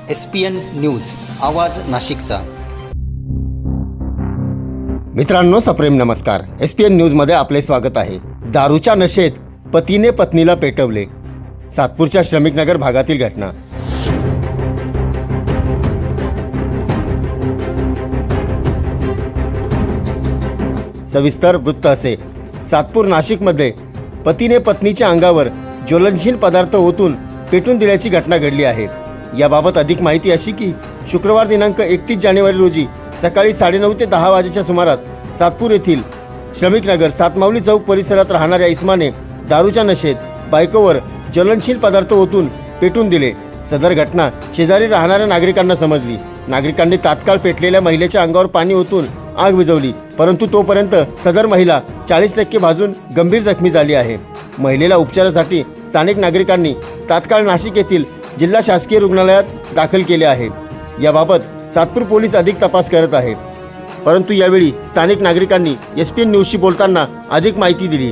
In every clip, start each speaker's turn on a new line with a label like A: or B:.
A: SPN news आवाज नाशिकचा।
B: मित्रांनो, सप्रेम नमस्कार। SPN न्यूजमध्ये आपले स्वागत आहे। दारूच्या नशेत पतीने पत्नीला पेटवले, सातपूरच्या श्रमिकनगर भागातील घटना। सविस्तर वृत्त असे। सातपूर नाशिकमध्ये पतीने पत्नीच्या अंगावर ज्वलनशील पदार्थ ओतून पेटून दिल्याची घटना घडली आहे। याबाबत अधिक माहिती अशी की शुक्रवार दिनांक 31 जानेवारी रोजी सकाळी 9:30 ते 10 वाजेच्या सुमारास सातपूर येथील श्रमिकनगर सातमावली चौक परिसरात राहणाऱ्या इस्माने दारूच्या नशेत बायकोवर ज्वलनशील पदार्थ ओतून पेटून दिले। सदर घटना शेजारी राहणाऱ्या नागरिकांना समजली। नागरिकांनी तात्काळ पेटलेल्या महिलेच्या अंगावर पाणी ओतून आग विझवली, परंतु तोपर्यंत सदर महिला 40% भाजून गंभीर जखमी झाली आहे। महिलेला उपचारासाठी स्थानिक नागरिकांनी तात्काळ नाशिक येथील जिल्हा शासकीय रुग्णालयात दाखल केले आहे। याबाबत सातपूर पोलीस अधिक तपास करत आहे, परंतु यावेळी स्थानिक नागरिकांनी SPN न्यूजशी बोलताना अधिक माहिती दिली।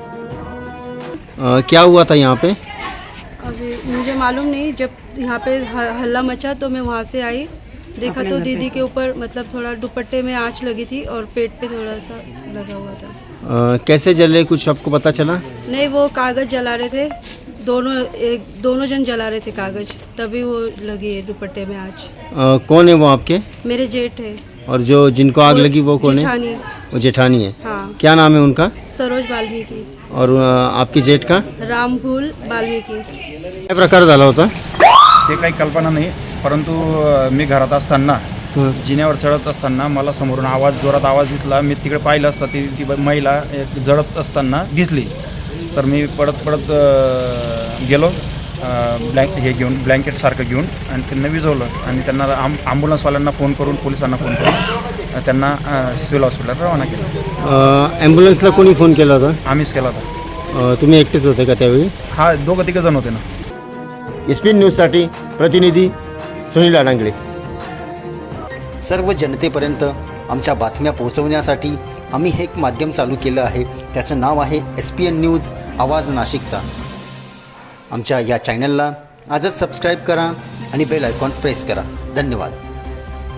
B: क्या हुआ था यहाँ पे?
C: अभी मुझे मालूम नहीं। जब यहाँ पे हल्ला मचा तो मैं वहाँ से आई, देखा तो दीदी के ऊपर मतलब थोड़ा दुपट्टे में आंच लगी थी और पेट पे थोड़ा सा लगा हुआ था।
B: कैसे जले, कुछ आपको पता चला?
C: नहीं, वो कागज़ जला रहे थे, दोनों जन जला रहे थे कागज़, तभी वो लगी है दुपट्टे में आंच।
B: कौन है वो आपके?
C: मेरे जेठ है।
B: और जो जिनको आग लगी वो कौन है?
C: जेठानी।
B: वो जेठानी है।
C: हाँ।
B: क्या नाम है उनका?
C: सरोज वाल्मीकि।
B: और आपकी जेठ का?
C: रामफूल वाल्मीकि।
B: काय प्रकार झाला होता?
D: ते काही कल्पना नाही, परंतु मी घरात असताना जिन्यावर चढत असताना मला समोरून जोरात आवाज दिसला। मी तिकडे पाहिलं असता ती महिला एक जळत असताना दिसली, तर मी पडत गेलो ब्लँकेट सारखं घेऊन आणि त्यांना विझवलं आणि त्यांना ॲम्ब्युलन्सवाल्यांना फोन करून, पोलिसांना फोन करून त्यांना सिव्हिल हॉस्पिटलला रवाना केलं।
B: ॲम्ब्युलन्सला कोणी फोन केला होता?
D: आम्हीच केला होता।
B: तुम्ही एकटेच होते का त्यावेळी?
D: हा, दोघं तिघं जण होते ना।
B: SPN न्यूजसाठी प्रतिनिधी सुनील अडांगळे।
A: सर्व जनतेपर्यंत आमच्या बातम्या पोहोचवण्यासाठी आम्ही हे एक माध्यम चालू केलं आहे। त्याचं नाव आहे SPN न्यूज आवाज नाशिकचा। आमच्या या चॅनलला आजच सबस्क्राईब करा आणि बेल आयकॉन प्रेस करा। धन्यवाद।